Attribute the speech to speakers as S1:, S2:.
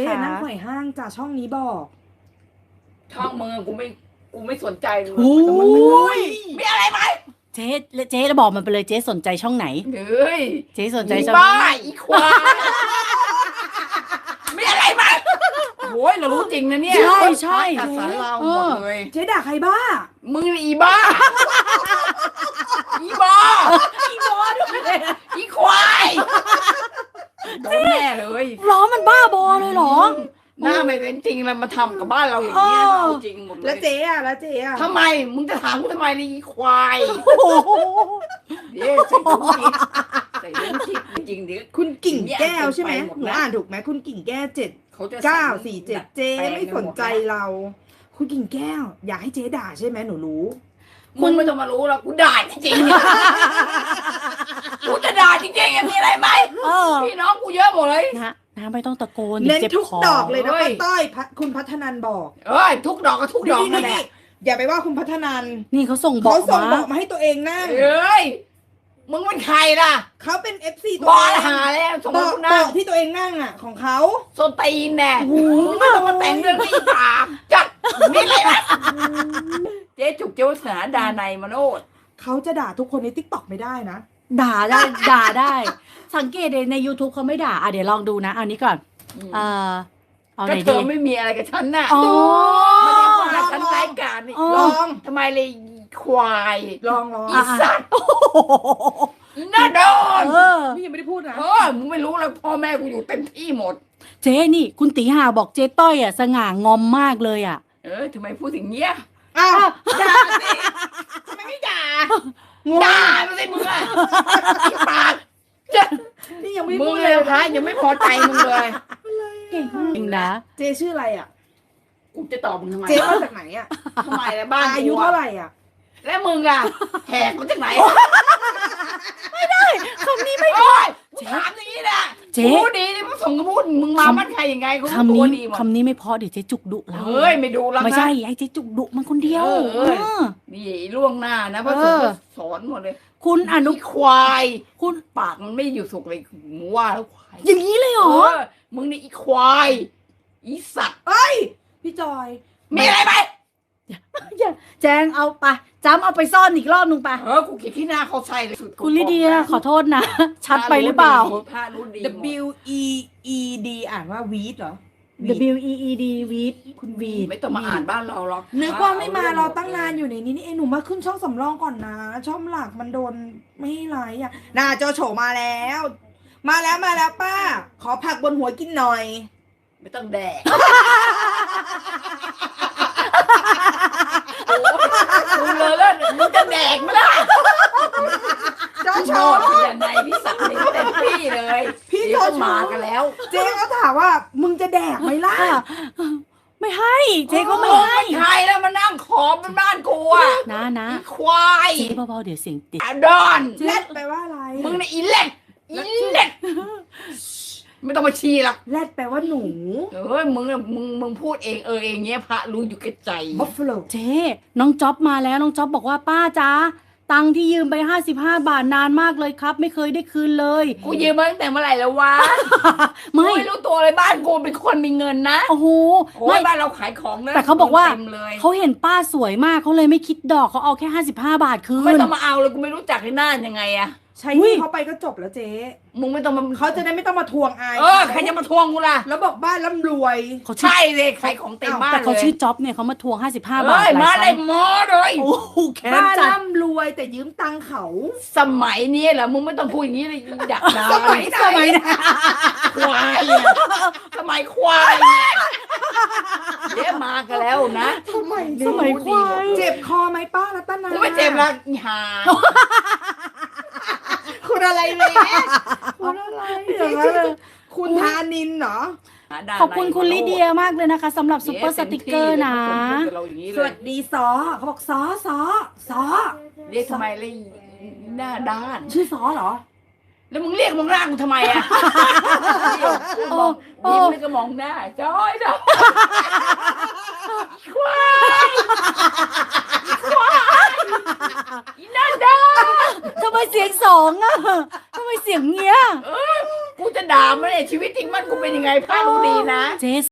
S1: นั่งไขว่ห้างจ้ะช่องนี้บอก
S2: ช่องมึงกูไม่สนใจเลย
S3: โอ้ย
S2: มีอะไรไหม
S3: เจ๊จะบอกมันไปเลยเจ๊สนใจช่องไหน
S2: เฮ้ย
S3: เจ๊สนใจ
S2: อี
S3: ช่อง
S2: บ้าอีควายมีอะไรไหมโอ้ยเรารู้จริงนะเนี่ย
S3: ใช่
S2: จัดสรรเราหมดเลย
S1: เจ๊ด่าใครบ้า
S2: มึงนี่อีบ้าอีบ้า
S1: อีบอด้วย
S2: อีควายโดนแน่เลย
S3: ล้อมันบ้าบอเลยเหรอ
S2: หน้าไม่เป็นจริงเลยมาทำกับบ้านเราอย่างนี้ย
S3: เออ
S2: เอาจริงหมดเล
S1: แล้ว
S2: ย
S1: เจ๊อะแล้วเจ๊อะ
S2: ทำไมมึงจะถามกูทำไมเลยอีควาย
S3: โอ้โห
S2: เดี๋ยวใส่เรื่องคิดจริงๆเดี๋ยว
S1: คุณกิ่งแก้วใช่ไหม
S2: ไปหมด
S1: หนู
S2: แล้ว
S1: อ่านถูกไหมคุณกิ่งแก้ว7
S2: เขาจะ
S1: 9 4 7เจ๊ไม่สนใจเรา คุณกิ่งแก้ว อยากให้เจ๊ด่าใช่ไหมหนูรู้
S2: มึงไม่ต้องมารู้หรอกกูด่าจริงๆกูจะด่าจริงๆมีอะไรไหม
S3: เออ
S2: พี่น้องกูเยอะหมดเลย
S3: นะไม่ต้องตะโกน
S1: เน้น
S3: เจ็บ
S1: ทุก
S3: คอ
S1: ดอกเลยนะ
S2: เฮ้
S1: ป้าย ต้อยคุณพัฒนันบอก
S2: เอ้ยทุกดอกก็ทุกดอกนั่นแหละ
S1: อย่าไปว่าคุณพัฒนัน
S3: นี่เขาส่งบอก
S1: เขาส่งบ
S3: มา
S1: อกมาให้ตัวเองนั่ง
S2: เอ้ยมึงเป็นใครล่ะ
S1: เขาเป็น FC ตั
S2: บ
S1: ว
S2: อ
S1: เอ
S2: ล
S1: ง
S2: หาแล้วสมม
S1: บ
S2: ติ
S1: อก
S2: กู
S1: บ
S2: นั่
S1: อง กที่ตัวเองนั่งอ่ะของเขา
S2: โซนตีนแน่ไม่ต้องมาแต่งเรื่องนี้ปากจัดนี่อะไรนะเจ๊จุกเจ้าสนาดาในยมโนด
S1: เขาจะด่าทุกคนในทิกตอกไม่ได้นะ
S3: ด่าได้ สังเกตเลยใน YouTube เขาไม่ด่าเดี๋ยวลองดูนะเอานี้ก่อนเอาไห
S2: ก็
S3: น
S2: เธ
S3: ดี
S2: อไม่มีอะไรกับฉันน่ะ
S3: อ๋อ
S2: ไม่ได้ว่าฉันไร้การนี่
S3: อ๋อ
S1: ลอง
S2: ทำไมเลยควาย
S1: ลอง
S2: อีสัตว์อีหน้าโดน
S3: เออ
S1: นี่ยังไม่ได้พูดนะ
S2: มึงไม่รู้แล้วพ่อแม่กูอยู่เต็มที่หมด
S3: เจ๊นี่คุณตีหาบอกเจ๊ต้อยสง่างอมมากเลย
S2: ทำไมพูดถึงเนี้ย
S1: อ้าว
S2: ด่าสิทำไมไม่ด่าง
S1: ง
S2: ด่าไม่ใช่มึงอะอีปากจะ
S1: นี่ยังไม่
S2: มึ
S1: พู
S2: ง
S1: ด
S2: เลยคะยังไม่พอใจมึงเลย
S3: เก่งจริงนะ
S1: เจชื่ออะไรอ่ะ
S2: กูจะตอบมึงทำไม
S1: เจมาจากไหนอ่ะ
S2: ทำไมล่ะบ้าน
S1: อายุเท่าไหร่อ่ะ
S2: แล้วมึงอะแหกมาจากไหน
S3: คำนี้ไม่
S2: โอ้ยกูถามอย่างนี้นะ
S3: เจ๊
S2: กูดีนี่มึงส่งกระพูดมึงมาบ้านใครยังไงกู
S3: คำ
S2: ตั
S3: นี้
S2: วดีหมด
S3: คำนี้ไม่พอเดี๋ยวเจ๊จุกดุเรา
S2: เฮ้ยไม่ดูแล้วนะ
S3: ไม่ใช่ให้เจ๊จุกดุมันคนเดียว
S2: เออ นี่ล่วงหน้านะเพราะ
S3: เอ
S2: ถึง
S3: อ
S2: สอนหมดเลย
S3: คุณอนุ
S2: อีควาย
S3: คุณ
S2: ปากมันไม่อยู่สุกเลยมึงว่าแล้วควาย
S3: อย่างนี้เลยเหรอ
S2: มึงนี่อีควาย อีสัตว์
S1: เอ้ย พี่จอย
S2: มีอะไรไหม
S3: แจงเอาไปจำเอาไปซ่อนอีกรอบนึงไป
S2: กูเกลียดที่หน้าเขาใส่เลยสุด
S3: คุณลิเดียขอโทษนะ ชัดไปหรือเปล่า
S2: พารู้ดี
S1: W E E D อ่านว่าวีดเหรอ
S3: W E E D วีดคุณวีด
S2: ไม่ต้องมาอ่านบ้านเราหรอก
S1: นึกว่าไม่มารอตั้งนานอยู่ในนี้นี่เองหนูมาขึ้นช่องสำรองก่อนนะ ช่องหลักมันโดนไม่ให้ไลฟ์อ่ะน่าโจโฉมาแล้ว มาแล้วป้า ขอผักบนหัวกินหน่อย
S2: ไม่ต้องแดกมึงเลยแล้วมึงจะแดกไหมล่ะ
S1: โจโฉ
S2: โชดอย่างไรพี่สักดิ์นี่เต็มที่เลย
S1: พี่
S2: เดี๋ยว
S1: โจ
S2: ก็
S1: โฉ
S2: มากันแล้ว
S1: เจ๊ก็ถามว่า มึงจะแดกไหมล่ะ
S3: ไม่ให้เจ๊ก็ไม่ให้
S2: ใครแล้วมานั่งขอเป็นบ้านกูอ่ะ
S3: นะ
S2: อีควาย
S3: เจ๊เบาๆเดี๋ยวเสียงติด
S2: อาดอน
S1: เล็ดแปลว่าอะไร
S2: มึงนี่อีเล็ดไม่ต้องมาชี้หรอก
S1: แรดแปลว่าหนู
S2: มึงพูดเองเองเงี้ยพระรู้อยู่แก่ใจ
S1: บัฟฟาโล
S3: เจ๊น้องจ๊อบมาแล้วน้องจ๊อบบอกว่าป้าจ๊ะตังค์ที่ยืมไป55 บาทนานมากเลยครับ ไม่เคยได้คืนเลย
S2: กูยืมมาตั้งแต่เมื่อไหร่แล้ววะ
S3: ไม่
S2: กูไม่รู้ตัวเลยบ้านกูเป็นคนมีเงินนะ
S3: โอ้โห
S2: โอ้
S3: ไม่
S2: ยบ้านเราขายของนะ
S3: แต่เขาบอกว่า
S2: ต็มเลย
S3: เขาเห็นป้าสวยมากเขาเลยไม่คิดดอกเขาเอาแค่55 บาทคื
S2: ไม่
S3: น
S2: ต้องมาเอาเลยกูไม่รู้จักในหน้ายังไงอะ
S1: ใช้
S3: อุ๊ย
S1: ที่เขาไปก็จบแล้วเจ๊
S2: มึงไม่ต้องมา
S1: เขาจะได้ไม่ต้องมาทวงอาย
S2: ใครจะมาทวงกูล่ะ
S1: แล้วบอกบ้านร่ำรวย
S3: เขาชื่อ
S2: ใช่เลยขายของเต็มบ้าน
S3: แต่
S2: เลย
S3: เขาชื่อจ๊อบเนี่ยเขามาทวง55 บาท
S2: เอ้ย
S3: หล
S2: มาย
S3: ค
S2: เล
S3: รั้
S2: ย
S3: ง
S2: หมอเลย
S3: โอ้โหแค้น
S1: บ้าน
S3: จัด
S1: ร่ำรวยแต่ยืมตังค์เขา
S2: สมัยนี้เหรอมึงไม่ต้องพูดอย่างนี้เลยอยากด่า
S1: สมัยไหน
S2: ควายอะสมัยควายเนี่ยเดี๋ยวมากันแล้วนะ
S1: สมัย
S3: สมัยควาย
S1: เจ็บคอไหมป้ารัตนา
S2: กูไม่เจ็บละอีห่า
S1: คุณอะไรเลยคุณอะไรคุณธานินเหรอ
S3: ขอบคุณคุณลิเดียมากเลยนะคะสำหรับซุปเปอร์สติกเกอร์นะ
S1: สวัสดีซอเขาบอกซอ
S2: เรียกทำไมเลยหน้าด้าน
S1: ชื่อซอเหรอ
S2: แล้วมึงเรียกมองหน้ากูทำไมอะ
S3: โอ้
S2: ยิ้มแล้วก็มองหน้าจอยนะควายอีหน้าด้าน
S3: ทำไมเสียงสองอ่ะทำไมเสียงเงี้ย
S2: กูจะจะด่ามันเนี่ยชีวิตจริงมันกูเป็นยังไงป้ารู้ดีนะ
S3: เจ๊